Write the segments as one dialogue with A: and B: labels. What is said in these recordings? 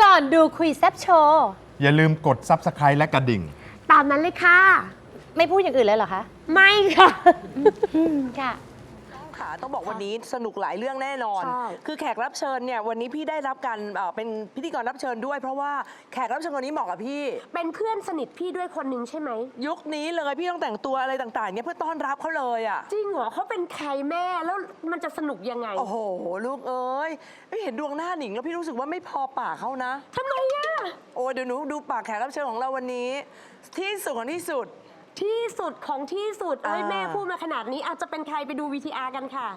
A: ก่อนดูคุยแซบโชว์
B: อย่าลืมกด Subscribe และกระดิ่ง
C: ตามนั้นเลยค่ะ
A: ไม่พูดอย่างอื่นเลยเหรอคะ
C: ไม่ค่ะ
A: ค่ะ
D: ค่ะต้องบอกวันนี้สนุกหลายเรื่องแน่นอน
C: ใช่
D: คือแขกรับเชิญเนี่ยวันนี้พี่ได้รับการเป็นพิธีกรรับเชิญด้วย เพราะว่าแขกรับเชิญคนนี้เหมาะกับพี่
C: เป็นเพื่อนสนิทพี่ด้วยคนหนึ่งใช่ไหม
D: ยุคนี้เลยพี่ต้องแต่งตัวอะไรต่างๆเนี่ยเพื่อต้อนรับเขาเลยอ่ะ
C: จริงเหรอเขาเป็นใครแม่แล้วมันจะสนุกยังไง
D: โอ้โหลูกเอ้ยเห็นดวงหน้าหนิงแล้วพี่รู้สึกว่าไม่พอปากเขานะ
C: ทำไมอะ
D: โอ้เดี๋ยวหนูดูปากแขกรับเชิญของเราวันนี้ ที่สุดของที่สุด
C: ที่สุดของที่สุดเอ้ย
D: อ่า
C: แม่พูดมาขนาดนี้อาจจะเป็นใครไปดู VTR กันค่ะ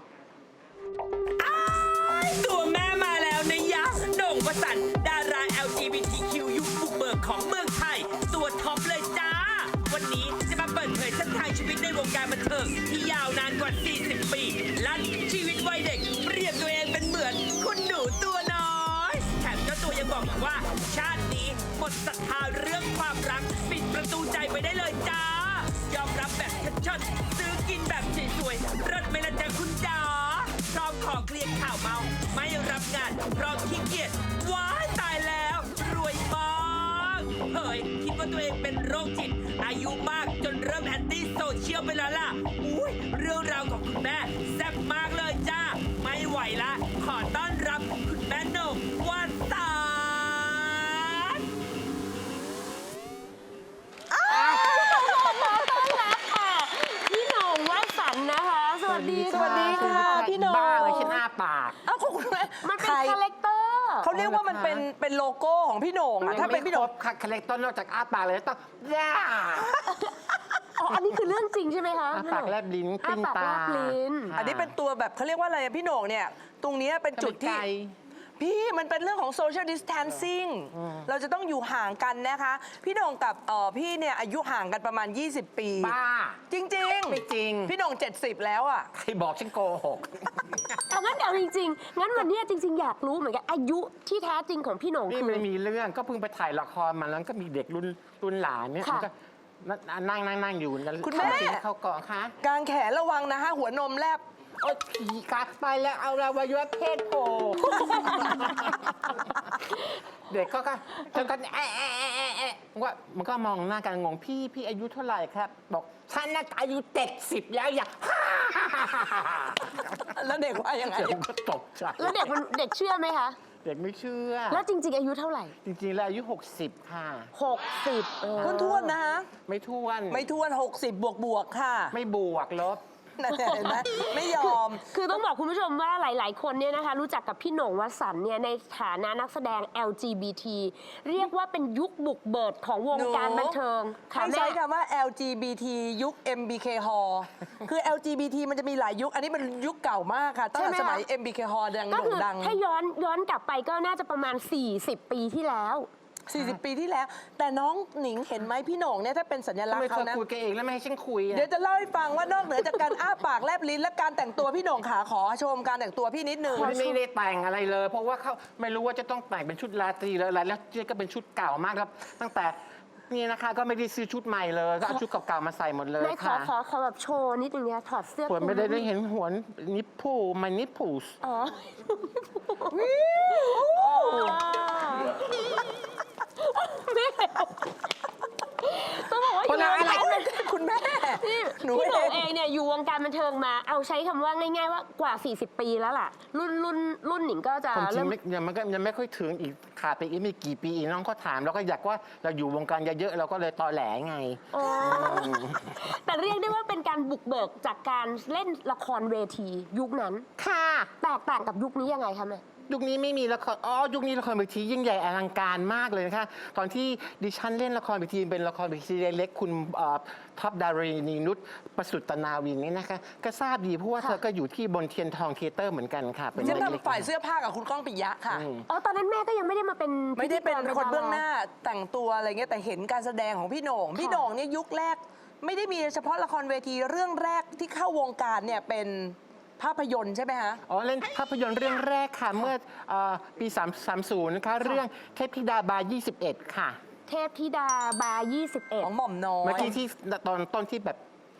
E: ตัวแม่มาแล้วนะยะโด่งประสันดารา LGBTQ ยุคบุกเบิกของเมืองไทย ตัวท็อปเลยจ้า วันนี้จะมาเปิดเผยเส้นทางชีวิตในวงการบันเทิงที่ยาวนานกว่า 40 ปี ลั่นชีวิตวัยเด็กเปรียบตัวเองเป็นเหมือนคุณหนูตัวน้อยแถมเจ้าตัวยังบอกอีกว่า ชาตินี้หมดศรัทธาเรื่องความรักปิดประตูใจไปได้เลยจ้ายอมรับแบบชัดๆซื้อกินแบบสวยๆรถไม่ละจ้าคุณจ๋าพร้อมขอเคลียร์ข่าวเมา ไม่รับงานเพราะขี้เกียจว้ายตายแล้วรวยมากเฮ้ยคิดว่าตัวเองเป็นโรคจิตอายุมากจนเริ่มแอนตี้โซเชียลไปแล้วล่ะอุ้ยเรื่องราวของคุณแม่แซ่บมากเลยจ้าไม่ไหวละขอต้อนรับคุณแม่โหน่งวันตา
C: พี่โหน่งวาดฝันนะคะ สวัสดี
D: สวัสดีค่ะพี่โหน่ง
F: บ้าเลยฉันอ้าปาก
D: เอ้าคุณแม่
C: มันเป็น
D: ใคร
C: คาแรคเตอร์
D: เขาเรียกว่ามันเป็นโลโก้ของพี่โหน่งอะถ้าเป็นพี่โหน่ง
F: ค่ะคาแรคเตอร์นอกจากอ้าปากเลยต้องย่า
C: อ๋อ อันนี้คือเรื่องจริงใช่ไหมคะ
F: อ้าปากแลบลิ้น
C: อ้า
F: ปิ้น
C: ปาก
F: ตา
C: แลบลิ้น
D: อันนี้เป็นตัวแบบเขาเรียกว่าอะไรอะพี่โหน่งเนี่ย ตรงเนี้ยเป็นจุดที่ พี่มันเป็นเรื่องของ social distancing เราจะต้องอยู่ห่างกันนะคะ พี่โหน่งกับพี่เนี่ยอายุห่างกันประมาณ 20 ปี
F: บ้า
D: จริง
F: ไม่จริง
D: พี่โหน่ง 70 แล้วอ่ะ
F: ใครบอกฉันโกหก
C: เอางั้นเดี๋ยวจริงๆ งั้นวันเนี้ยจริง ๆ อยากรู้เหมือนกันอายุที่แท้จริงของพี่โหน่ง
F: นี่
C: คือ
F: ไม่มีเรื่องก็เพิ่งไปถ่ายละครมาแล้วก็มีเด็กรุ่นหลานเนี่ย
C: ค่ะ
F: มันก็นั่งอยู่นั่น
D: คุณแม่
F: เข้ากล่องคะ
D: กางแขนระวังนะฮะหัวนมแลบ
F: โอ๊ยผีกัดไปแล้วเอาอวัยวะเพศโผล่ เด็กก็จนกันว่ามันก็มองหน้ากันงงพี่อายุเท่าไหร่ครับ บอกฉันน่าอายุ70แล้วอย่า
D: แล้วเด็กว่ายังไง
F: เด็กก็ตกใจ
C: แล้วเด็กเชื่อไหมคะ
F: เด็กไม่เชื่อ
C: แล้วจริง ๆ อายุเท่าไหร่
F: จริงๆแล้วอายุ 60 ค่ะ
C: 60
D: ท้วนๆนะฮะ
F: ไม่ท้วน
D: ไม่ท้วน 60 บวกๆค่ะ
F: ไม่บวกลบ
D: นั่นเห็นไหมไม่ยอม
C: คือต้องบอกคุณผู้ชมว่าหลาย ๆ คนเนี่ยนะคะรู้จักกับพี่โหน่งวสันต์เนี่ยในฐานะนักแสดง LGBT เรียกว่าเป็นยุคบุกเบิกของวงการบันเทิงค่ะ
D: ให้
C: แม่
D: ใช้คำว่า LGBT ยุค MBK Hall คือ LGBT มันจะมีหลายยุค อันนี้มันยุคเก่ามากค่ะ ตั้งแต่สมัย MBK Hall ดัง
C: ก็
D: โด่
C: คื
D: ง
C: อ
D: ดัง
C: ถ้าย้อนกลับไปก็น่าจะประมาณ 40 ปีที่แล้ว
D: 40 ปีที่แล้ว แต่น้องหนิงเห็นไหมพี่โหน่งเนี่ยถ้าเป็นสัญลักษ
F: ทำไม
D: ณ์
F: เธ
D: เขา
F: อ
D: นะ
F: คุยกันเองแล้วไม่ให้ฉันคุยอะ
D: เดี๋ยวจะเล่าให้ฟังว่านอกเหนือจากการอ้าปากแลบลิ้นและการแต่งตัวพี่โหน่งขาขอชมการแต่งตัวพี่นิดนึง
F: ไม่ได้แต่งอะไรเลย เพราะว่าเขาไม่รู้ว่าจะต้องแต่งเป็นชุดราตรีหรืออะไรแล้วเจ๊ก็เป็นชุดเก่ามากครับ ตั้งแต่นี่นะคะก็ไม่ได้ซื้อชุดใหม่เลยก็เอาชุดเก่าๆมาใส่หมดเลย
C: ไม่ขอ
F: ค่ะ
C: ขอแบบโชว์นิดนึงเนี่ยถอดเสื้อ
F: ส่วนไม่ได้เห็นหัวนิปพูมันนิปพูส
C: อ๋อไม่ต้องบอกว่าอยู่วงการ
D: คุณแม่
C: พี่
D: หนู
C: พี่โหน่ง
D: เอง
C: เองเนี่ยอยู่วงการบันเทิงมาเอาใช้คำว่าง่ายๆว่ากว่า 40 ปีแล้วล่ะ รุ่นหนิงก็จะ
F: ผมจริ
C: เริ่
F: ง
C: ม
F: ไม่ยังไม่ค่อยถึงอีกขาดไปอีกไม่กี่ปีอีกน้องก็ถามแล้วก็อยากว่าเราอยู่วงการเยอะๆเราก็เลยตอแหลไง
C: อ๋อแต่เรียกได้ว่าเป็นการบุกเบิกจากการเล่นละครเวทียุคนั้น
F: ค่ะ
C: แตกต่างกับยุคนี้ยังไงคะแม่
F: ยุคนี้ไม่มีละครยุคนี้ละครเวทียิ่งใหญ่อลังการมากเลยนะคะตอนที่ดิฉันเล่นละครเวทีเป็นละครเวทีเล็กๆคุณท็อปดารินีนุชประสุตนาวินนี่นะคะก็ทราบดีเพราะว่า
C: ค่ะ
F: เธอก็อยู่ที่บนเทียนทองเทเตอร์เหมือนกันค่ะเป็น
D: ฉัน
F: เล็ก
D: ทำฝ่ายเสื้อผ้ากับคุณก้องปิยะค่ะ
C: อ๋อตอนนั้นแม่ก็ยังไม่ได้มาเป็น
D: ไม่ได้เป็น
C: พิธีกร
D: คนเบื้องห
C: ดารา
D: น้าแต่งตัวอะไรเงี้ยแต่เห็นการแสดงของพี่โหน่งพี่โหน่งเนี่ยยุคแรก ไม่ได้มีเฉพาะละครเวทีเรื่องแรกที่เข้าวงการเนี่ยเป็นภาพยนตร์ใช่ไหมฮะ
F: อ๋อเล่นภาพยนตร์เรื่องแรกค่ะเมื่อปี30นะคะเรื่องเทพธิดาบาร์21 ค่ะ
C: เทพธิดาบาร์
D: ของหม่อมน้อย
F: เมื่อกี้ที่ตอนต้นที่แบบ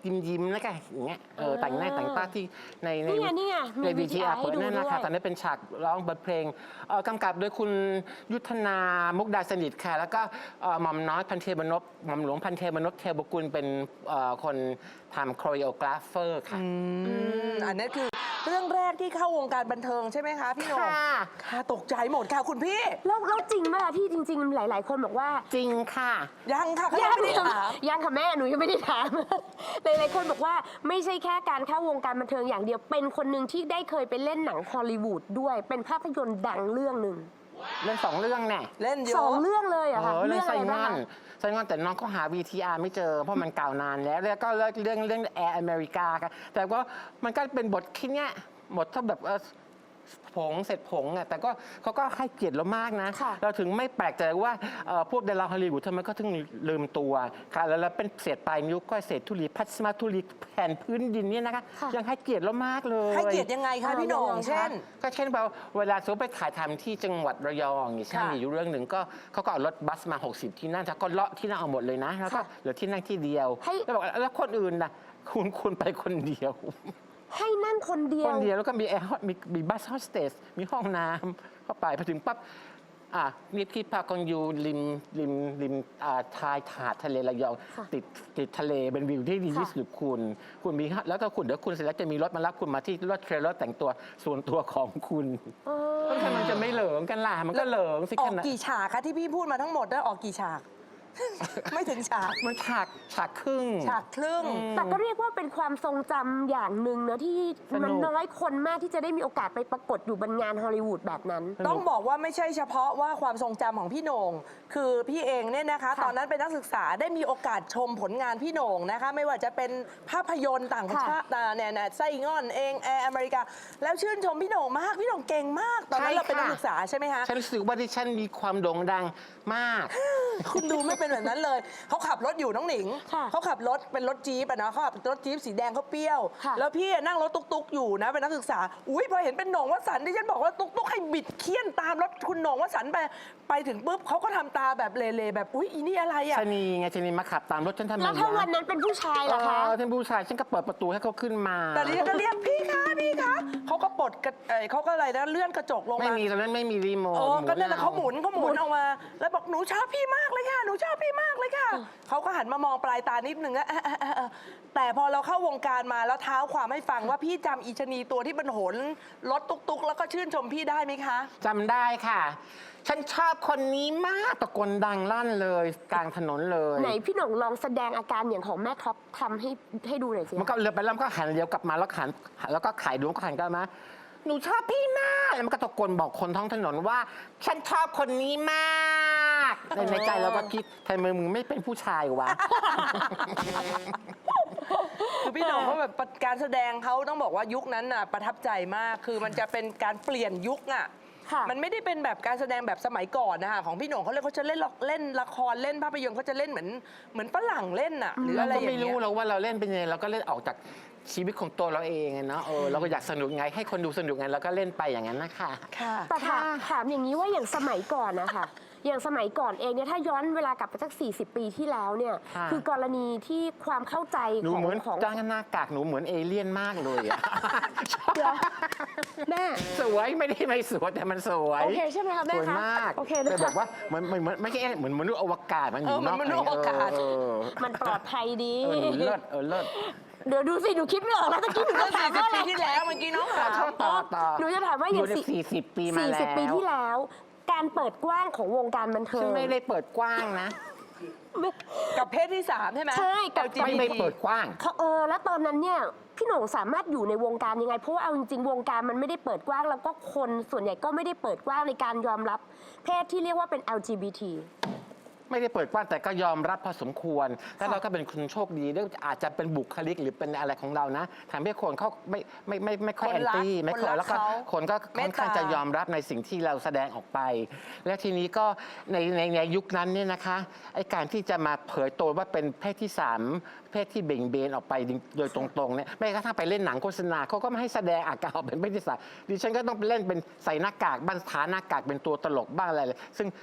F: ยิ้มๆนะคะอย่างเงี้ยแต่งหน้าแต่งตาที่ใน
C: นี่ไงมี
F: ใน
C: VTR
F: VTR
C: ให้ดู
F: นั่นนะคะ
C: ด้วย
F: ตอนนั้นเป็นฉากร้องบทเพลงกำกับโดยคุณยุทธนามุกดาสนิทค่ะแล้วก็หม่อมน้อยพันเทพนพหม่อมหลวงพันเทพนพเทวกุลเป็นคนทำโคริโอกราฟเฟอร์ค่ะ
D: อันนี้คือเรื่องแรกที่เข้าวงการบันเทิงใช่ไหมคะพี่โหน่ง
F: ค่ะ
D: ค่ะตกใจหมดค่ะคุณพี่
C: แล้วจริงไหมล่ะพี่จริง ๆ หลาย ๆ คนบอกว่า
F: จริงค่ะ
D: ยังค่ะเขา
C: ยั
D: ยัง งไม่ได้ถาม
C: ยังค่ะแม่หนูยังไม่ได้ถาม หลายๆคนบอกว่าไม่ใช่แค่การเข้าวงการบันเทิงอย่างเดียวเป็นคนหนึ่งที่ได้เคยไปเล่นหนังฮอลลีวูดด้วยเป็นภาพยนตร์ดังเรื่องหนึ่ง
F: เรื่อง2 เรื่องแน่
D: เล่นเย
C: สอง
D: อะ
C: เรื่องเลยเหรอะค่ะ
F: เรื่อง
C: อะ
F: ไซ
C: ไร
F: ม
C: บ้า
F: อง น
C: คะ
F: ไซมอนแต่น้องก็หา VTR ไม่เจอ เพราะมันเก่านานแล้วก็เรื่องแอร์อเมริกาค่ะแต่ว่ามันก็เป็นบทแค่เนี้ยบทถ้าแบบผงเสร็จผงอ่ะแต่ก็เขาก็ให้เกียรติเรามากนะ
C: ค่ะ
F: เราถึงไม่แปลกใจว่าพวกดาราฮอลลีวูดทำไมก็ถึงลืมตัวค่ะแล้วเป็นเศษปลายนิ้วก้อยเศษธุลีพัสมาธุลีแผ่นพื้นดินเนี่ยนะคะยังให้เกียรติเรามากเลย
D: ให้เกียรติยังไงคะพี่โหน่งเช่น
F: ก็เช่นแบบเวลาสมมติไปถ่ายทำที่จังหวัดระยองอย่างเงี้ยใช่ไหม
D: ค่ะ
F: มีอยู่เรื่องหนึ่งก็เขาก็เอารถบัสมา 60 ที่นั่งแต่ก็เลาะที่นั่งเอาหมดเลยนะแล้วก็เหลือที่นั่งที่เดียวแล้วบอกแล้วคนอื่นนะคุณไปคนเดียว
C: ให้นั่งคนเดีย
F: คว นเดียวแล้วก็มีแอร์มีบัสโฮสเตสมีห้องน้ำเข้าไปพอถึงปั๊บมีที่พักของอยู่ริมชายหาดทะเลระยองติดทะเลเป็นวิวที่ดีที่สุดคุณมีแล้วก็เดี๋ยวคุณเสร็จแล้วจะมีรถมารับคุณมาที่รถเทรลเลอร์แต่งตัวส่วนตัวของคุณแล้วทำไมมันจะไม่เหลิงกันล่ะมันก็เหลิงสิ
D: ออ
F: ข
D: ก
F: นาด
D: กี่ฉากคะที่พี่พูดมาทั้งหมดแล้วออกกี่ฉาก ไม่ถึงฉาก
F: มันฉากครึ่ง
D: ฉากครึ่ง
C: แต่ก็เรียกว่าเป็นความทรงจำอย่างหนึ่งนะที่
F: สนุก
C: มันน้อยคนมากที่จะได้มีโอกาสไปปรากฏอยู่บนงานฮอลลีวูดแบบนั้น
D: ต้องบอกว่าไม่ใช่เฉพาะว่าความทรงจำของพี่โหน่งคือพี่เองเนี่ยนะคะ
C: ค่ะ
D: ตอนนั้นเป็นนักศึกษาได้มีโอกาสชมผลงานพี่โหน่งนะคะ ไม่ว่าจะเป็นภาพยนตร์ต่างชาติเนี่ยไส้งอนเองแอร์อเมริกา แล้วชื่นชมพี่โหน่งมากพี่โหน่งเก่งมาก ตอนนั้นเราเป็นนักศึกษาใช่ไหมคะ
F: ฉันรู้สึกว่าดิฉันมีความโด่งดังมาก
D: คุณดูไม่เป็นแบบนั้นเลยเขาขับรถอยู่น้องหนิง
C: ค่ะ
D: เขาขับรถเป็นรถจี๊ปอะนะเขาขับรถจี๊ปสีแดงเขาเปรี้ยว
C: ค่ะ
D: แล้วพี่นั่งรถตุ๊กๆอยู่นะเป็นนักศึกษาอุ้ยพอเห็นเป็นโหน่งวสันต์ดิฉันบอกว่าตุ๊กๆให้บิดเคี่ยนตามรถคุณโหน่งวสันต์ไปถึงปุ๊บเขาก็ทำตาแบบเลๆแบบอุ้ยอีนี่อะไรอะ
F: ชะนีไงชะนีมาขับตามรถฉันทำไม
C: แล้วถ้าวันนั้นเป็นผู้ชายล่ะคะ
F: ท่านผู้ชายฉันก็เปิดประตูให้เขาขึ้นมา
D: แต่ดิฉันก็เรียกพี่คะพี่คะเขาก็ปลดเขาก็อะไรนะเลื่อนกระจกลง
F: ไม่
D: มา
F: มีตอนนั้นไม่มีรีโมท
D: ก็นั่นแหละเขาหมุนออกมา แล้วบอกหนูชอบพี่มากเลยค่ะหนูชอบพี่มากเลยค่ะเขาก็หันมามองปลายตานิดนึงอะแต่พอเราเข้าวงการมาแล้วเท้าความให้ฟังว่าพี่จำอีชะนีตัวที่บรรโหนรถตุ๊กๆแล้วก็ชื่นชมพี่ได้ไหมคะ
F: จำได้ค่ะ ฉันชอบคนนี้มากตะโกนดังลั่นเลยกลางถนนเลย
C: ไหนพี่หน่งลองแสดงอาการอย่างของแม่ท็อปทำให้ดูหน่อยสิ
F: มันก็เรือไปแล้วมันก็หันเลี้ยวกลับมาแล้วก็ขายดวงก็หันกลับมาหนูชอบพี่มากแล้วมันก็ตะโกนบอกคนท้องถนนว่า ฉันชอบคนนี้มากในใจเราก็คิดทำไมมึงไม่เป็นผู้ชายวะ
D: คือพี่โหน่งเขาแบบการแสดงเขาต้องบอกว่ายุคนั้นน่ะประทับใจมากคือมันจะเป็นการเปลี่ยนยุคอ่ะ
C: ค่ะ
D: มันไม่ได้เป็นแบบการแสดงแบบสมัยก่อนนะคะของพี่โหน่งเขาจะเล่นละครเล่นภาพยนตร์เขาจะเล่นเหมือนฝรั่งเล่นน่ะหรืออะไร
F: ก็
D: อย่าง
F: ไม่
D: เงี้
F: รู้
D: ย
F: เราว่าเราเล่นเป็นยังไงเราก็เล่นออกจากชีวิตของตัวเราเองอะเนาะเราก็อยากสนุกไงให้คนดูสนุกไงเราก็เล่นไปอย่างนั้นนะคะ
D: ค่ะ
C: แต่ถามอย่างนี้ว่าอย่างสมัยก่อนนะคะอย่างสมัยก่อนเองเนี่ยถ้าย้อนเวลากลับไปสัก40 ปีที่แล้วเนี่ย
F: ค่ะ
C: คือกรณีที่ความเข้าใจ
F: หนู
C: ของ
F: เหมือน
C: ของ
F: จ้างหน้ากากหนูเหมือนเอเลี่ยนมากเลยอะ
C: เดี๋ยวแม่
F: สวยไม่ได้ไม่สวยแต่มันสวย
C: โอเคใช่ไหมคะแม่
F: สวย
C: คะ
F: มาก
C: โอเคนะคะ
F: แต่แบบว่าเหมือนไม่ใช่เหมือนมนุษย์อวกาศมันอยู่
D: เหมือนมนุษย์อวกาศ
C: มันปลอดภัยดี
F: หนูเลิศเลิศ
C: เดี๋ยวดูสิหนูคิดไม่ออกแล้วตะกี้หนู
D: เมื่
C: จะ
D: อ
C: ถามว่าอะไร
D: 40 ปีที่แล้วเมื่อกี้น้องถาม
F: ต่อ
C: หนูจะถามว่าอย่าง
F: 40 ปีมาแล้ว
C: 40 ปีที่แล้ว การเปิดกว้างของวงการบันเทิ
F: ฉั
C: ง
F: นไม่ได้เปิดกว้างนะ
D: กับเพศที่ 3 ใช่ไหม
C: ใช่กับ
F: ไม่ได้เปิดกว้าง
C: แล้วตอนนั้นเนี่ยพี่โหน่งสามารถอยู่ในวงการยังไงเพราะว่าเอาจริงๆวงการมันไม่ได้เปิดกว้างแล้วก็คนส่วนใหญ่ก็ไม่ได้เปิดกว้างในการยอมรับเพศที่เรียกว่าเป็น LGBT
F: ไม่ได้เปิดกว้างแต่ก็ยอมรับพอสมควร แล้วเราก็เป็นคนโชคดีด้วยอาจจะเป็นบุคลิกหรือเป็นอะไรของเรานะทำให้คนเขาไม่ค่อย
D: ค
F: แอน น
D: รัก
F: ตี้ไม่ค่อย
D: คนรัก
F: แล้วก็
D: เขา
F: คนก็ค่อนข้าง
D: เมตตา
F: จะยอมรับในสิ่งที่เราแสดงออกไป และทีนี้ก็ในยุคนั้นเนี่ยนะคะไอ้การที่จะมาเผยตัวว่าเป็นเพศที่ 3 เพศที่เบ่งเบนออกไปโดยตรงๆเนี่ยไม่กระทั่งไปเล่นหนังโฆษณาเขาก็ไม่ให้แสดงอาการออกเป็นเพศที่ 3ดิฉันก็ต้องไปเล่นเป็นใส่หน้ากากบ้างทาหน้ากากเป็นตัวตลกบ้างอะไรเลยซึ่ง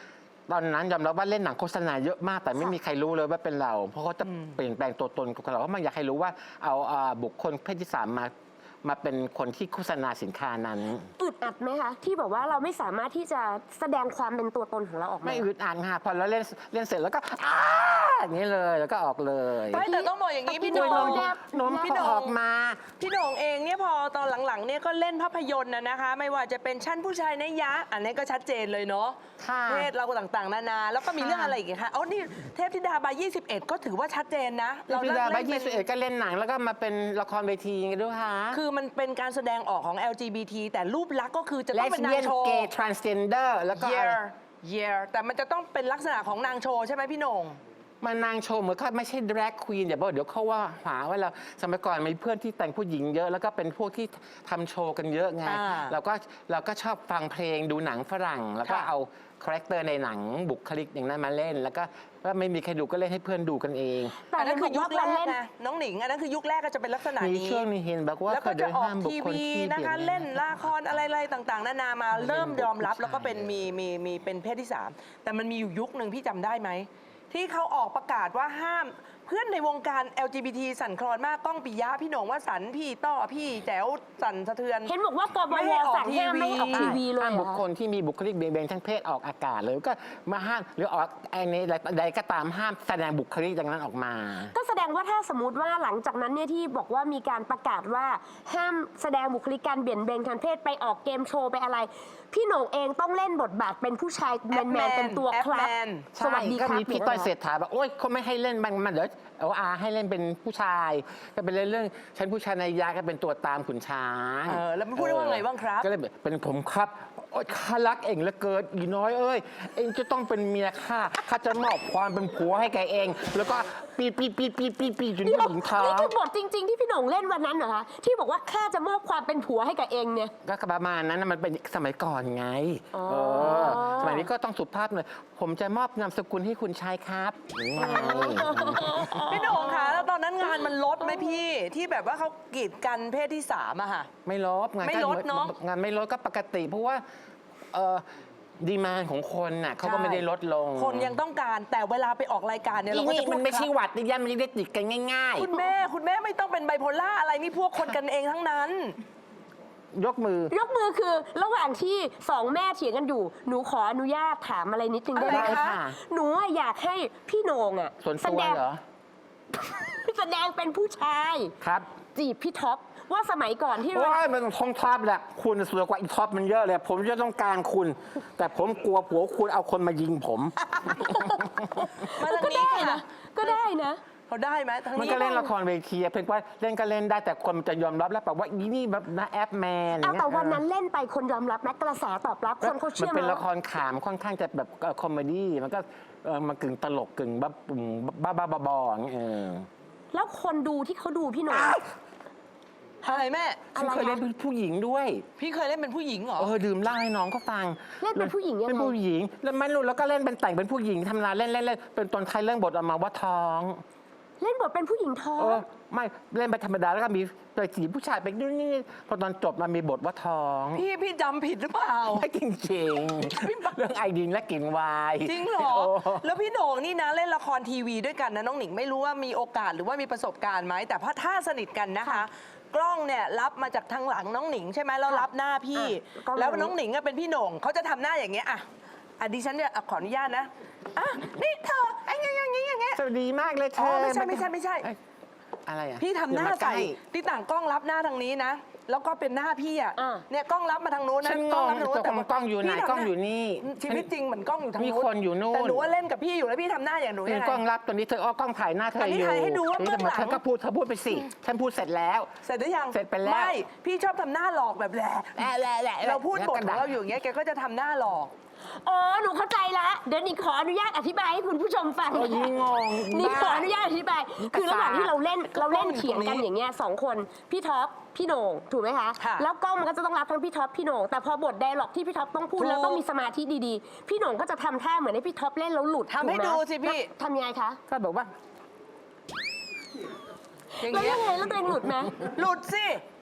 F: ตอนนั้นยอมรับว่าเล่นหนังโฆษณาเยอะมากแต่ไม่มีใครรู้เลยว่าเป็นเรา เพราะเขาจะเปลี่ยนแปลงตัวตนของเราเพราะมันอยากให้รู้ว่าเอาบุคคลเพศที่ 3มาเป็นคนที่โฆษณาสินค้านั้น
C: อึดอัดไหมคะที่แบบว่าเราไม่สามารถที่จะแสดงความเป็นตัวตนของเราออกมา
F: ไม่อึดอัดค่ะพอเราเล่นเสร็จแล้วก็อย่างนี้เลยแล้วก็ออกเลย
D: ไม่แต่ต้องบอกอย่างนี้พี่โห
F: โด
D: น่
F: ย
D: ง
F: น้ม
D: พี่
F: เขา
D: โหน่
F: อง อกมา
D: พี่โหน่งเองเนี่ยพอตอนหลังๆเนี่ยก็เล่นภาพยนตร์นะคะ ไม่ว่าจะเป็นชั้นผู้ชายในยะ อันนี้ก็ชัดเจนเลยเนาะ
F: ค่ะ
D: เพศเราต่างๆนานาแล้วก็มี
F: ค่ะ
D: เรื่องอะไรอีกคะอ๋อนี่เทพธิดาบาย21 ก็ถือว่าชัดเจนนะ
F: พี่ดา
D: เล่
F: บาย
D: นเป็น
F: 21ก็เล่นหนังแล้วก็มาเป็นละครเวทีกันด้วยค่ะ
D: คือมันเป็นการแสดงออกของ LGBT แต่รูปลักษณ์ก็คือจะ
F: เล
D: ต้อง
F: ส
D: เป็นนา
F: เบี้ย
D: ง
F: น
D: โชว์
F: เกย์ทรานสเจนเดอร์แล้วก็
D: year แต่มันจะต้องเป็นลักษณะของนางโชว์ใช่ไหมพี่โหน่ง
F: มันนางโชว์เหมือนเขาไม่ใช่ดร a กควีนเดี๋ยวเขาว่าหาว่าเราสมัยก่อนมีเพื่อนที่แต่งผู้หญิงเยอะ แล้วก็เป็นพวกที่ทำโชว์กันเยอะไง
D: อ่า
F: เราก็ชอบฟังเพลงดูหนังฝรั่ง แล้วก็
D: ค่ะ
F: เอาคาแรคเตอร์ในหนังบุคลิกอย่างนั้นมาเล่น แล้วก็ว่าไม่มีใครดูก็เล่นให้เพื่อนดูกันเอง
C: แต่
D: อันนั้นคือยุคแร
C: เห็นบอกว่า
D: ก
C: เล่น
D: นะน้องหนิงอันนั้นคือยุคแรกก็จะเป็นลักษณะ
F: มี
D: นี้
F: ช่วงนี้เห็นบอกว่า
D: แล้ว
F: เค
D: ก็
F: ย
D: จะ
F: เดิน
D: ออก
F: ห้ามบุค
D: ที
F: คล
D: วี
F: ที่
D: นะคะ
F: เปลี่ยน
D: เล่นละครอะไรต่างๆ นานามาเริ่มยอมรับแล้วก็เป็นมีเป็นเพศที่ 3 แต่มันมีอยู่ยุคหนึ่งพี่จำได้ไหม ที่เขาออกประกาศว่าห้ามเพื่อนในวงการ LGBT สั่นคลอนมากก้องปิยะพี่โหน่งวสันต์พี่ต้อพี่แจ๋วสั่นสะเทือน
C: เห็นบอกว่ากบ
D: ไม่
C: ว
D: ให้ออก
C: สั่งห้ามไม่ให้ออกทีวีเลย
F: ห้าม
C: เหร
F: บุ
C: อ
F: ค
C: คะ
F: คลที่มีบุคลิกเบี่ยงเบนทางเพศออกอากาศเลยก็มาห้ามหรือออกไอ้นี้ใดก็ตามห้ามแสดงบุคลิกอย่างนั้นออกมา
C: ก็แสดงว่าถ้าสมมติว่าหลังจากนั้นเนี่ยที่บอกว่ามีการประกาศว่าห้ามแสดงบุคลิกการเบี่ยงเบนทางเพศไปออกเกมโชว์ไปอะไร พี่โหน่งเองต้องเล่นบทบาทเป็นผู้ชายแมนๆเป็นตัวครับ
D: F-man
C: สวัสดีค
F: ก็
C: รับ
F: มีพี่ต้อยเศรษฐาบอกโอ๊ยเขาไม่ให้เล่นมันเดี๋ยวเอาให้เล่นเป็นผู้ชาย ก็เป็นเรื่องฉันผู้ชายในยาก็เป็นตัวตามขุนช้าง
D: แล้วมันพูดได้ว่าไงบ้างครับ
F: ก็เลยเป็นผมครับโอ๊ยข้ารักเองเหลือเกินอีน้อยเอ้ยเองจะต้องเป็นเมียข้าจะมอบความเป็นผัวให้แกเอง แล้วก็ปีจน
C: เดี๋ยว
F: ผู้หญิงท้อ
C: นี่
F: ง
C: คือบทจริง ๆ ที่พี่โหน่งเล่นวันนั้นเหรอคะที่บอกว่าข้าจะมอบความเป็นผัวให้กับเองเนี่ย
F: ก็ประมาณนั้นนะมันเป็นสมัยก่อนไง
C: อ๋อ
F: สมัยนี้ก็ต้องสุภาพหน่อยผมจะมอบนามสกุลให้คุณชายครับอย่างไง
D: พี่โหน่งคะแล้วตอนนั้นงานมันลดไหมพี่ที่แบบว่าเขากีดกันเพศที่ 3อะค่ะ
F: ไม่ลดงาน
D: ไม่ลดเนอะ
F: งานไม่ลดก็ปกติ เพราะว่าดีมานของคนน่ะเขาก็ไม่ได้ลดลง
D: คนยังต้องการแต่เวลาไปออกรายการเนี่ยเราก็
F: นี่
D: จะพู
F: มั
D: ด
F: นไม่ใช่
D: ครับ
F: หวัดนี่ยันมันได้ติดกันง่าย
D: คุณแม่ไม่ต้องเป็นไบโพล่าอะไรนี่พวกคนกันเองทั้งนั้น
F: ๆ ยกมือ
C: ยกมือคือระหว่างที่สองแม่เถียงกันอยู่ หนูขออนุญาตถามอะไรนิดนึงได้ไหม
D: อะไรคะ
C: หนูอะอยากให้พี่โหน่งอะ
F: ส่วน
C: แส
F: ตัว
C: ดง
F: เหรอ
C: แสดงเป็นผู้ชาย
F: ครับ
C: จีบพี่ท็อปว่าสมัยก่อนที่
F: โอ้ยมันท้องท็อปแหละคุณสวยกว่าอีท็อปมันเยอะเลย ผมจะต้องการคุณ แต่ผมกลัวผัวคุณเอาคนมายิงผม
D: มาทาง
C: ก็
D: นี้
C: ได้
D: ค่ะ
C: นะก็ได้นะ
D: เขาได้ไหมทาง
F: มัน
D: นี้
F: ก็เล่นละครเวทีเพียงว่าเล่นก็เล่นได้แต่คนมันจะยอมรับแล้วแบบว่าอีนี่แบบนะแอปแมนอย่า
C: เอา
F: งเงี้ย
C: แต่วันนั้นเล่นไปคนยอมรับไหมกระแสตอบรับคนเขา
F: มั
C: เชื่อ
F: เป็น
C: มั้
F: ละครขามค่อนข้างจะแบบคอมเมดี้มันก็มันกึ่งตลกกึ่งบ้าบอๆอย่างเงี้ย
C: แล้วคนดูที่เขาดูพี่โหน่ง
D: อะไรแม่
F: ฉันเคยเล่นเป็นผู้หญิงด้วย
D: พี่เคยเล่นเป็นผู้หญิงเหรอ
F: ดื่มเหล้าให้น้องก็ฟัง
C: เล่นเป็นผู้หญิงยัง
F: เป็น
C: ไง
F: ผู้หญิงแล้วไม่รู้แล้วก็เล่นเป็นแต่งเป็นผู้หญิงทำงานเล่นเป็นตอนท้ายเรื่องบทออกมาว่าท้อง
C: เล่นบทเป็นผู้หญิงท้อง
F: ไม่เล่นไปธรรมดาแล้วก็มีไปจีบผู้ชายไปนู่นนี่พอตอนจบมันมีบทว่าท้อง
D: พี่จำผิดหรือเปล่า
F: ไม่จริงๆเรื่องไอดินและกลิ่นวาย
D: จริงเหรอ แล้วพี่โหน่งนี่นะเล่นละครทีวีด้วยกันนะน้องหนิงไม่รู้ว่ามีโอกาสหรือว่ามีประสบการณ์ไหมแต่พอถ้าสนิทกันนะคะ กล้องเนี่ยรับมาจากทางหลังน้องหนิงใช่ไหมแล้วรับหน้าพี่
C: กล้อง
D: แล้วน้องหนิงอะเป็นพี่โหน่งเขาจะทำหน้าอย่างเงี้ยอ่ะดิฉันเนี่ยขออนุญาตนะนี่เธอไอ้อย่างงี้
F: สวัสดีมากเลยเธ
D: อ๋อ
F: อ
D: ไม่ใช่
F: เอ้ยอะไรอ่ะ
D: พี่ทำหน้า
F: อย่ม
D: ใส่
F: ล้
D: ที่ต่างกล้องรับหน้าทางนี้นะ แล้วก็เป็นหน้าพี่อ่ะ
C: อ่า
D: เนี่ยกล้องรับมาทางนู้นนะ
F: ฉันง
D: กล้อง
F: ง
D: รับทางนู้น
F: ตกลงกล้องอยู่ไหน
D: พี่ทำ
F: กล้องอยู่นี่
D: ชีวิตจริงเหมือนกล้องอยู่ทาง
F: มี
D: นู้น
F: คนอยู่นู่น
D: แต่หนูว่าเล่นกับพี่อยู่แล้วพี่ทำหน้าอย่างหนู
F: มี
D: ยังไง
F: กล้องรับตัวนี้เธอกล้องถ่ายหน้าเธอ
D: อันนี้
F: อยู่
D: ถ่ายให้ดูว่าเบื้องหลัง
F: เธอก็พูดไปสิฉันพูดเสร็จแล้ว
D: เสร็จหรือยัง
F: เสร็จไปแล้ว
D: ไม่พี่ชอบทำหน้าหลอกแบบแหละเราพูดบทของเราอยู่อย่างเงี้ยแกก็จะทำหน้าหลอก
C: อ๋อ หนูเข้าใจละ เดี๋ยวนิงขออนุญาตอธิบายให้คุณผู้ชมฟัง
F: โอ้ยยิ่งงง
C: นิงขออนุญาตอธิบาย คือระหว่างที่เราเล่น
D: กล้องอยู่
C: เถียงกัน
D: ตรงนี้
C: อย่างเงี้ยสองคน พี่ท็อป พี่โหน่ง ถูกไหมคะ
D: ค่ะ
C: แล้วกล้องมันก็จะต้องรับทั้งพี่ท็อป พี่โหน่ง แต่พอบทไดร็อกที่พี่ท็อปต้องพูด
D: ถูก
C: แล้วต้องมีสมาธิดีๆ พี่โหน่งก็จะทำท่าเหมือนให้พี่ท็อปเล่นแล้วหลุด
D: ทำให้
C: ถูกไม
D: ดูสิพี่
C: แล้วทำยังไงคะ
F: ก็บอกว่า
D: อย่าง
C: แล้ว
D: เงี้ย
C: ยังไงแล้วตัวเองหลุดไหม
D: หลุดสิ ต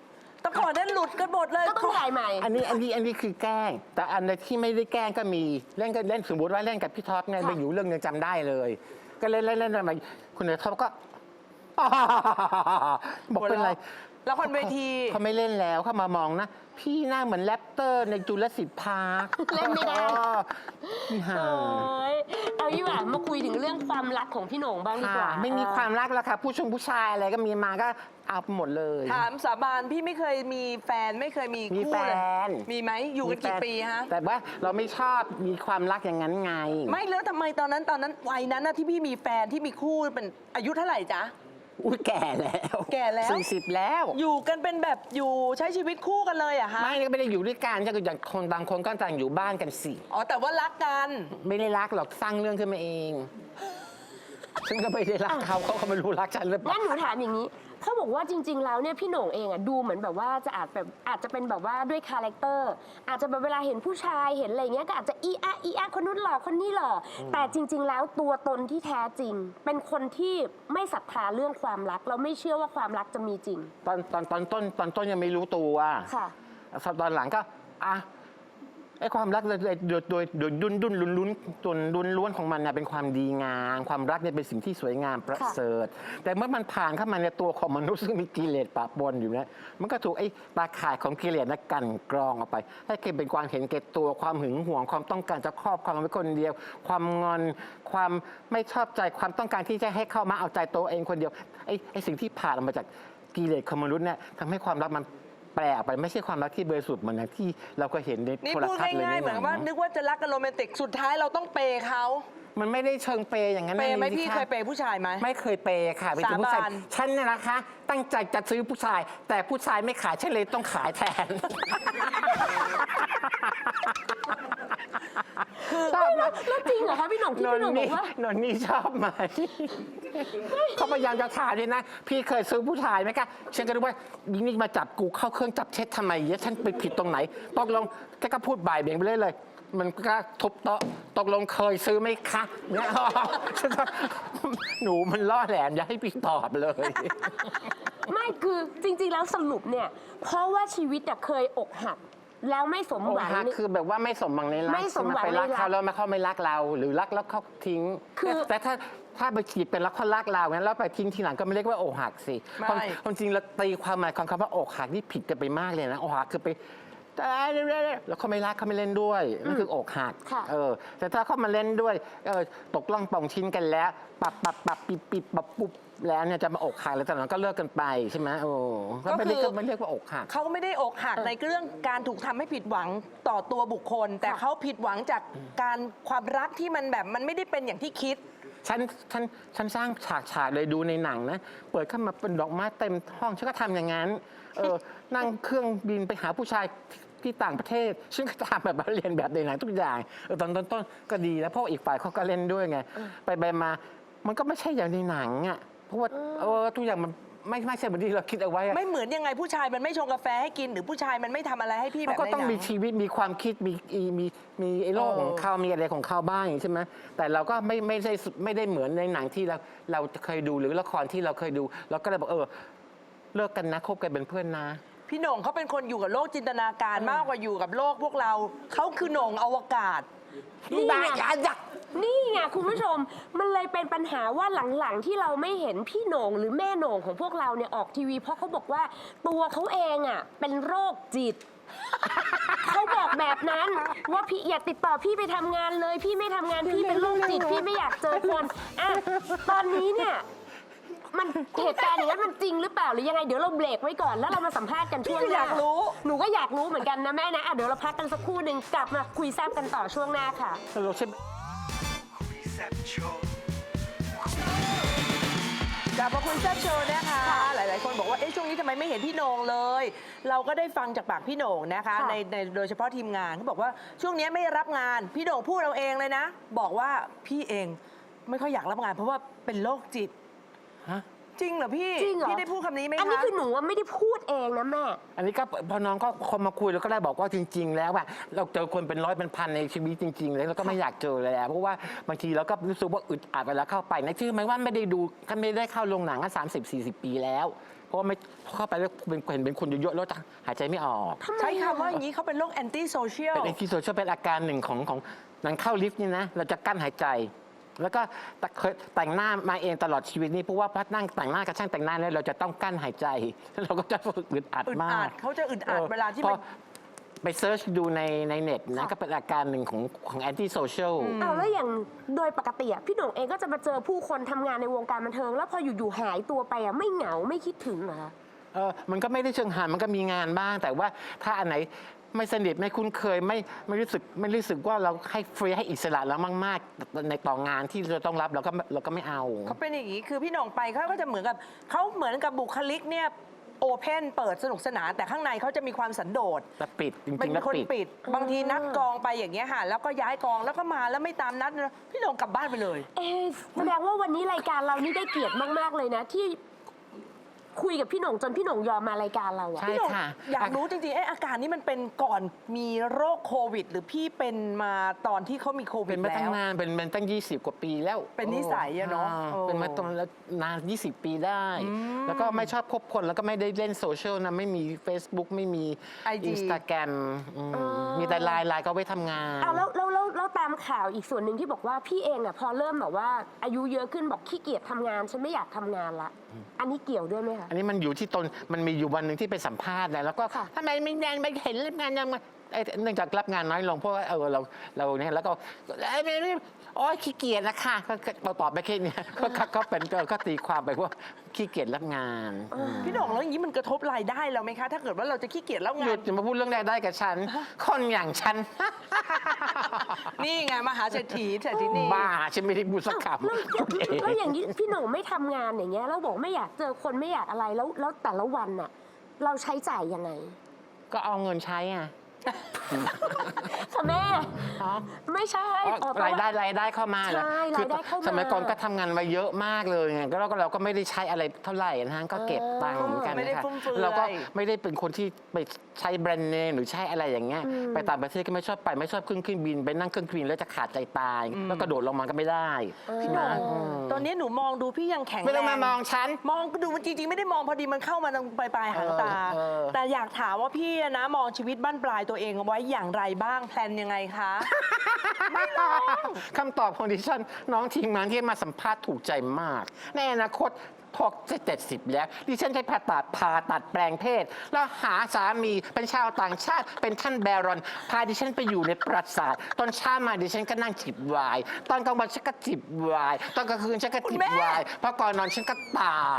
D: แต่ก่อนนั้นหลุดกันหมดเลย
C: ก็ต้องถ่ายใหม่
F: อันนี้คือแกล้ง แต่อันที่ไม่ได้แกล้งก็มีเล่นก็เล่นสมมติว่าเล่นกับพี่ท็อปไง
C: ค่ะ
F: ไปอยู่เรื่องนึงจำได้เลย ก็เล่นมาคุณท็อปก็ บอกเป็นไร
D: ละครเวที
F: เขาไม่เล่นแล้วเขามามองนะ พี่หน้าเหมือนแรปเตอร์ในจุลศิลป์พาร์ค
C: เล่นไม่ได้
F: นี่ห่า
C: โอ้ยเอาดีกว่ามาคุยถึงเรื่องความรักของพี่โหน่งบ้างดีกว่า
F: ไม่มีความรักแล้วค่ะผู้ชายอะไรก็มีมาก็เอาหมดเลย
D: ถามสาบานพี่ไม่เคยมีแฟนไม่เคยมี
F: มี
D: คู่
F: แฟ
D: เลย
F: น
D: มีไหมอยู่กันกี่ปีฮะ
F: แต่ว่าเราไม่ชอบมีความรักอย่างนั้นไง
D: ไม่แล้วทำไมตอนนั้นวัยนั้นน่ะที่พี่มีแฟนที่มีคู่เป็นอายุเท่าไหร่จ๊ะ
F: อุ้ยแก่แล้ว
D: แก่แล้ว
F: 40แล้ว
D: อยู่กันเป็นแบบอยู่ใช้ชีวิตคู่กันเลยอะฮะ
F: ไม่ได้อยู่ด้วยกันก็อย่างคนบางคนก็ต่างอยู่บ้านกันสิ
D: อ๋อแต่ว่ารักกัน
F: ไม่ได้รักหรอกสร้างเรื่องขึ้นมาเองฉันก็ไม่ได้รักเขาไม่รู้รักฉันหรือเปล่า
C: งั้นหนูถามอย่างนี้ เขาบอกว่าจริง ๆ แล้วเนี่ยพี่โหน่งเองอะดูเหมือนแบบว่าอาจจะเป็นแบบว่าด้วยคาแรคเตอร์อาจจะแบบเวลาเห็นผู้ชายเห็นอะไรเงี้ยก็อาจจะอีอะคนนู้นหล่อคนนี้หล่อแต่จริง ๆ แล้วตัวตนที่แท้จริง เป็นคนที่ไม่ศรัทธาเรื่องความรักเราไม่เชื่อว่าความรักจะมีจริง
F: ตอนต้นยังไม่รู้ตัว
C: ค่ะ
F: ตอนหลังก็ไอ้ความรักโดยดุนล้วนของมันเนี่ยเป็นความดีงามความรักเนี่ยเป็นสิ่งที่สวยงามประเสริฐแต่เมื่อมันผ่านเข้ามาในตัวของมนุษย์ซึ่งมีกิเลสปะปนอยู่เนี่ยมันก็ถูกไอ้ตาข่ายของกิเลสนั้นกั่นกรองออกไปให้เกิดเป็นความเห็นแก่ตัวความหึงหวงความต้องการจะครอบครองไว้คนเดียว ความงอนความไม่ชอบใจความต้องการที่จะให้เข้ามาเอาใจตัวเองคนเดียวไอ้สิ่งที่ผ่านออกมาจากกิเลสของมนุษย์เนี่ยทำให้ความรักมันแปลออกไปไม่ใช่ความรักที่บริสุทธิ์เหมือนอย่างที่เราก็เห็นใน
D: นี่
F: โทร
D: พูด
F: ทัศน์เลย
D: ง่ายๆเหมือนว่านึกว่าจะรักกันโรแมนติกสุดท้ายเราต้องเปย์เขา
F: มันไม่ได้เชิงเปย์อย่างนั้น
D: เปย์ไหม
F: นะ
D: พี่
F: ะ
D: เคยเปย์ผู้ชายไหม
F: ไม่เคยเปย์ค่ะเป็นผู้ชาย
D: สาบาน
F: ฉันเนี่ยนะคะ ตั้งใจจะซื้อผู้ชาย แต่ผู้ชายไม่ขายฉันเลยต้องขายแทนชอบไหม
C: แล้วจริงเหรอคะพี่โหน่งที่พี่โหน่งบอกว่า
F: นนนี่ชอบไหมเขาพยายามจะถามเลยนะ พี่เคยซื้อผู้ชายไหมคะฉันก็รู้ว่ายิงนี่มาจับกูเข้าเครื่องจับเช็ดทำไมเนี่ยฉันไปผิดตรงไหนตกลงแกก็พูดบ่ายเบี่ยงไปเลย มันก็ทุบโต๊ะตกลงเคยซื้อไหมคะเนี่ยฉันก็หนูมันล่อแหลมอย่าให้พี่ตอบเลย
C: ไม่คือจริง ๆ แล้วสรุปเนี่ย เพราะว่าชีวิตอะเคยอกหัก แล้วไม่สม
F: อก
C: หวัง
F: หักคือแบบว่าไม่สมหวังในรัก
C: ไม่สมหวัง
F: ไปรัก
C: ในรัก
F: เขาแล้วเขาไม่รักเรา หรือรักแล้วเขาทิ้ง
C: คือ
F: แต่ถ้าไปจีบเป็นรักเขารักเรางั้นแล้วไปทิ้งทีหลังก็ไม่เรียกว่าอกหักสิ
D: ไม่
F: ความจริงเราตีความหมายของคำว่าอกหักนี่ผิดกันไปมากเลยนะอกหักคือไปแล้วเขาไม่รักเขาไม่เล่นด้วยนั่นคืออกหัก
C: ค่ะ
F: แต่ถ้าเขามาเล่นด้วยตกล่องป่องชิ้นกันแล้วปับปิบปับปุ๊บแล้วเนี่ยจะมาอกหักแล้วแต่หลังก็เลิกกันไปใช่ไหมก็ไม่เรียกว่าอกหัก
D: เขาไม่ได้อกหักในเรื่องการถูกทำให้ผิดหวังต่อตัวบุคคล แต่เขาผิดหวังจากการความรักที่มันแบบมันไม่ได้เป็นอย่างที่คิด
F: ฉันสร้างฉากเลยดูในหนังนะ เปิดเข้ามาเป็นดอกไม้เต็มห้องฉันก็ทำอย่างนั้น นั่งเครื่องบินไปหาผู้ชายที่ต่างประเทศฉันก็ทำแบบเรียนแบบในหนังทุกอย่างตอนต้นก็ดีแล้วเพราะอีกฝ่ายเขาก็เล่นด้วยไงไปมามันก็ไม่ใช่อย่างในหนังอ่ะเพราะว่าทุกอย่างมันไม่ใช่เหมือนที่เราคิดเอาไว้อะ
D: ไม่เหมือนยังไงผู้ชายมันไม่ชงกาแฟให้กิน หรือผู้ชายมันไม่ทำอะไรให้พี่แบบ
F: เขาก็
D: ใน
F: ต้อง
D: หนั
F: มีชีวิตมีความคิดมีไอ้โลกของเขามีอะไรของเขาบ้างใช่ไหมแต่เราก็ไม่ได้เหมือนในหนังที่เราเคยดูหรือละครที่เราเคยดูเราก็เลยบอกเลิกกันนะคบกันเป็นเพื่อนนะ
D: พี่โหน่งเขาเป็นคนอยู่กับโลกจินตนาการมากกว่าอยู่กับโลกพวกเราเขาคือโหน่งอวกาศ
C: นี่ไง
F: อย่า
C: นี่ไงคุณผู้ชม มันเลยเป็นปัญหาว่าหลังๆที่เราไม่เห็นพี่โหน่งหรือแม่โหน่งของพวกเราเนี่ยออกทีวี เพราะเขาบอกว่าตัวเขาเองอ่ะเป็นโรคจิต เขาบอกแบบนั้นว่าพี่อย่าติดต่อพี่ไปทำงานเลย พี่ไม่ทำงานพี่เป็นโรคจิตพี่ไม่อยากเจอคนอ่ะตอนนี้เนี่ยมันเหตุการณ์อย่างนั้นมันจริงหรือเปล่าหรือยังไงเดี๋ยวเราเบรกไว้ก่อนแล้วเรามาสัมภาษณ์กันช่วงห
D: พี่ก็อ
C: น้า
D: ยากรู้
C: หนูก็อยากรู้เหมือนกันนะแม่นะอ่ะเดี๋ยวเราพักกันสักครู่หนึ่งกลับมาคุยแซ่บกันต่อช่วงหน้าค่ะ
F: เราใช่
D: กลับมาคุยแซ่บโชว์นะคะ หลาย ๆ คนบอกว่าช่วงนี้ทำไมไม่เห็นพี่โหน่งเลย เราก็ได้ฟังจากปากพี่โหน่งนะคะ
C: ค่ะ
D: ในโดยเฉพาะทีมงานเขาบอกว่าช่วงนี้ไม่รับงานพี่โหน่งพูดเราเองเลยนะ บอกว่าพี่เองไม่ค่อยอยากรับงาน เพราะว่าเป็นโรคจิต
F: ฮะ
D: จริงเหรอพี่
C: จริงเหรอ
D: พี่ได้พูดคำนี้ไหมคะ
C: อันนี้คือหนูว่าไม่ได้พูดเองนะแม่
F: อันนี้ก็พอน้องก็คนมาคุยเราก็ได้บอกว่าจริง ๆ แล้วอะเราเจอคนเป็นร้อยเป็นพันในชีวิตจริง ๆ แล้วเราก็ไม่อยากเจอเลยเพราะว่าบางทีเราก็รู้สึกว่าอึดอัดเวลาเข้าไปนะชื่อไหมว่าไม่ได้ดูไม่ได้เข้าโรงหนังก็30-40 ปีแล้วเพราะว่าไม่เข้าไปแล้วเป็นคนเยอะๆแล้วหายใจไม่ออก
D: ใช้คำว่าอย่างนี้เขาเป็นโรคแอนตี้โซเชียล
F: เป็นที่โซเชียลเป็นอาการหนึ่งของนั้นเข้าลิฟต์นี่นะเราจะกั้นหายใจ แล้วก็เคยแต่งหน้ามาเองตลอดชีวิตนี้เพราะว่าพัดนั่งแต่งหน้ากับช่างแต่งหน้าเนี่ยเราจะต้องกั้นหายใจเราก็จะอึดอัด
D: อึด
F: มา
D: อั
F: ก
D: ดเขาจะอึดอัดเวลาที่
F: พ
D: มั
F: อน ไปเซิร์ชดูในเน็ตนะก็เป็นอาการหนึ่งของแอนตี้โซเชียล
C: เอาแล้วอย่างโดยปกติอะพี่โหน่งเองก็จะมาเจอผู้คนทำงานในวงการบันเทิง แล้วพออยู่ๆหายตัวไปอะไม่เหงาไม่คิดถึงเหรอคะ
F: มันก็ไม่ได้เชิงหานมันก็มีงานบ้าง แต่ว่าถ้าอันไหนไม่สนิทไม่คุ้นเคยไม่รู้สึกว่าเราให้ฟรีให้อิสระแล้วมากๆในต่องานที่เราต้องรับเราก็ไม่เอา
D: เขาเป็นอย่างนี้คือพี่หน่งไปเขาก็จะเหมือนกับบุคลิกเนี่ยโอเพนเปิดสนุกสนานแต่ข้างในเขาจะมีความสันโดษ
F: แต่ปิดจ
D: เป็
F: ริ
D: น
F: งๆแล้ว
D: คน
F: ปิด
D: ปิด บางทีนัดกองไปอย่างเงี้ยค่ะแล้วก็ย้ายกองแล้วก็มาแล้วไม่ตามนัดพี่หน่งกลับบ้านไปเลย
C: แสดงว่าวันนี้รายการเรานี่ได้เกียรติมากๆเลยนะ ที่คุยกับพี่โหน่งจนพี่โหน่งยอมมารายการเราอะ
F: ใช่
D: พี่หน่ง
F: ค่ะ
D: อยากรู้จริงๆอาการนี้มันเป็นก่อนมีโรคโควิด หรือพี่เป็นมาตอนที่เขามีโควิ
F: เป็
D: ด
F: นมา
D: แล้
F: ตั้ง
D: ว
F: นานเป็นตั้ง 20 กว่าปีแล้ว
D: เป็นนิสัยอะเนาะ
F: เป็นมาตอนแล้วนาน 20 ปีได้ แล้วก็ไม่ชอบคบคนแล้วก็ไม่ได้เล่นโซเชียลนะไม่มี Facebook ไม่มี
D: IG
F: Instagram มีแต่ไลน์ก็ไว้ทำงาน
C: เอาแล้วตามข่าวอีกส่วนหนึ่งที่บอกว่าพี่เองอะพอเริ่มแบบว่าอายุเยอะขึ้นบอกขี้เกียจทำงานฉันไม่อยากทำงานละอันนี้เกี่ยวด้วยไหมคะ
F: อันนี้มันอยู่ที่ตนมันมีอยู่วันหนึ่งที่ไปสัมภาษณ์นะแล้วก็
C: ค่ะ
F: ทำไมไม่เห็นรับงานยังไงเนื่องจากรับงานน้อยลงเพราะว่าเราเนี่ยแล้วก็โอ้ยขี้เกียจนะค่ะก็ตอบไปแค่นี้ก็เป็นก็ตีความไปว่าขี้เกียจรับงาน
D: พี่หน่งแล้วอย่างนี้มันกระทบรายได้เราไหมคะ ถ้าเกิดว่าเราจะขี้เกียจแล้ว
F: ห
D: งา
F: ยุ
D: น
F: ดอย่ามาพูดเรื่องรายได้กับฉัน คนอย่างฉัน
D: นี่ไงมหาเศรษฐีนี่
F: บ้าฉันไม่ได้พูดสักคำ
C: แล้วอย่างนี้พี่โหน่งไม่ทำงานอย่างเงี้ยแล้วบอกไม่อยากเจอคนไม่อยากอะไรแล้วแต่ละวันน่ะเราใช้จ่ายยังไง
F: ก็เอาเงินใช้อ่ะ
C: ค่ะแม่
F: อ๋อ
C: ไม่ใช่
F: รายได้เข้ามาเหรอ
C: ใช่
F: คื
C: รายได้เข้ามา
F: สมัยก่อนก็ทำงานมาเยอะมากเลยไงก็เราก็ไม่ได้ใช้อะไรเท่าไหร่นะฮะก็เก็บตังค์เหมือนกัน
D: ไม่ได้
F: นะคะ
D: ฟุ่มเฟือย
F: เราก็ไม่ได้เป็นคนที่ไปใช้แบรนด์เนมหรือใช้อะไรอย่างเงี้ยไปต่างประเทศก็ไม่ชอบไปไม่ชอบขึ้นเครื่องบินไปนั่งเครื่องบินแล้วจะขาดใจตาย แล้วก็โดดลงมาก็ไม่ได้
D: พี่หน่ง
F: นะ
D: ตอนนี้หนูมองดูพี่ยังแข็งแรง
F: ไม่ต้องมามองฉัน
D: มองดูมันจริงๆ ไม่ได้มองพอดีมันเข้ามาตรงปลายหางตา แต่อยากถามว่าพี่นะมองชีวิตบั้นปลายตัวเองเอาไว้อย่างไรบ้างแพลนยังไงคะ
F: คำตอบของดิฉันน้องทีมงานที่มาสัมภาษณ์ถูกใจมาก ในอนาคตพอจะ70 แล้ว ดิฉันจะผ่าตัดแปลงเพศ แล้วหาสามีเป็นชาวต่างชาติ เป็นท่านแบรอน พาดิฉันไปอยู่ในปราสาทตอนเช้ามาดิฉันก็นั่งจิบไวน์ตอนกลางวันฉันก็จิบไวน์ตอนกลางคืนฉันก็จิบไวน์พอก่อนนอนฉันก็ตาย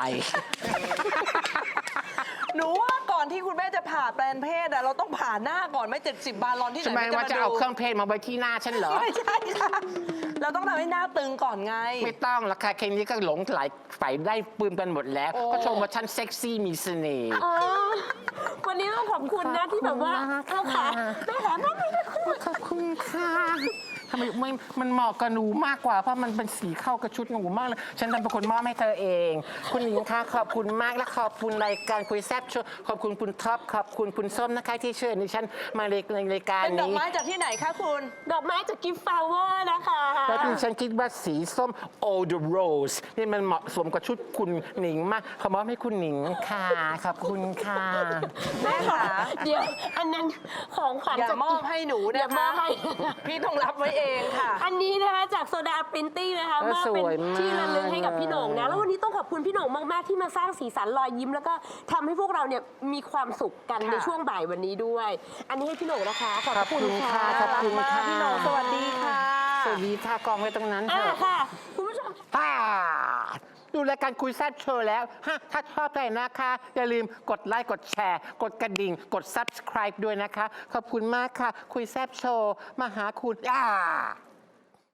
D: หนูว่าก่อนที่คุณแม่จะผ่าแปลงเพศอะเราต้องผ่าหน้าก่อนไหม่70 บาลอนที่ไหน
F: ทำไม
D: น
F: ว่าจะ
D: ดู
F: เอาเครื่องเพศมาไว้ที่หน้าฉันเหรอ
D: ไม่ใช่ค่ะเราต้องทำให้หน้าตึงก่อนไง
F: ไม่ต้องราคาแค่นี้ก็หลงไหลฝ่ายได้ปืนกันหมดแล้ว
D: โอ้
F: ก็ชมว่าฉันเซ็กซี่มีเสน่ห์
C: อ๋อวันนี้ต้องขอบคุณนะที่แบบว่าเอาขาแม่ขาแม่ไม่ได้คุย
F: ขอบคุณค่ะทำไมมันเหมาะกับหนูมากกว่าเพราะมันเป็นสีเข้ากับชุดหนูมากเลยฉันเป็นคนมอบให้เธอเอง คุณหญิงคะขอบคุณมากและขอบคุณรายการคุยแซ่บโชว์ขอบคุณคุณท็อปขอบคุณคุณส้มนะคะที่เชิญดิฉันมาในรายการ
D: เป็นดอก
F: นี้
D: ไม้จากที่ไหนคะคุณ
C: ดอกไม้จากกิฟต์ฟลาวเวอร์นะคะ
F: แล้วดิฉันคิดว่าสีส้ม All the Rose นี่มันเหมาะสมกับชุดคุณหนิงมากขอมอบให้คุณหนิงค่ะขอบคุณค่ะ
D: แม่ขา
C: เดี๋ยวอันนั้นของขวัญ
D: อย่า
C: จาก
D: มอบให้หนู
C: อย่า
D: นะ
C: มอ
D: คะ
C: บให้
D: พี่ต้องรับไว้เองค่ะ
C: อันนี้นะคะจากโซดาปรินติ้งนะคะมอบเป็นที่ระลึกให้กับพี่โหน่งนะ แล้ววันนี้ต้องขอบคุณพี่โหน่งมาก ๆ ที่มาสร้างสีสันรอยยิ้ม แล้วก็ทำให้พวกเราเนี่ยมีความสุขกันในช่วงบ่ายวันนี้ด้วย อันนี้ให้พี่โหน่งนะคะ ขอบคุณค่ะ
F: ขอบคุณค่ะ
D: พี่โหน่งสวัสดีค่ะ
F: สวัสดีค่ะกองไว้ตรงนั้นเถ
C: อ่า
F: อะ
C: ค่ะ คุณผู้ชม
F: ดูรายการคุยแซ่บโชว์แล้วถ้าชอบใจนะคะ อย่าลืมกดไลค์ กดแชร์ กดกระดิ่ง กด subscribe ด้วยนะคะ ขอบคุณมากค่ะ คุยแซ่บโชว์ มาหาคุณ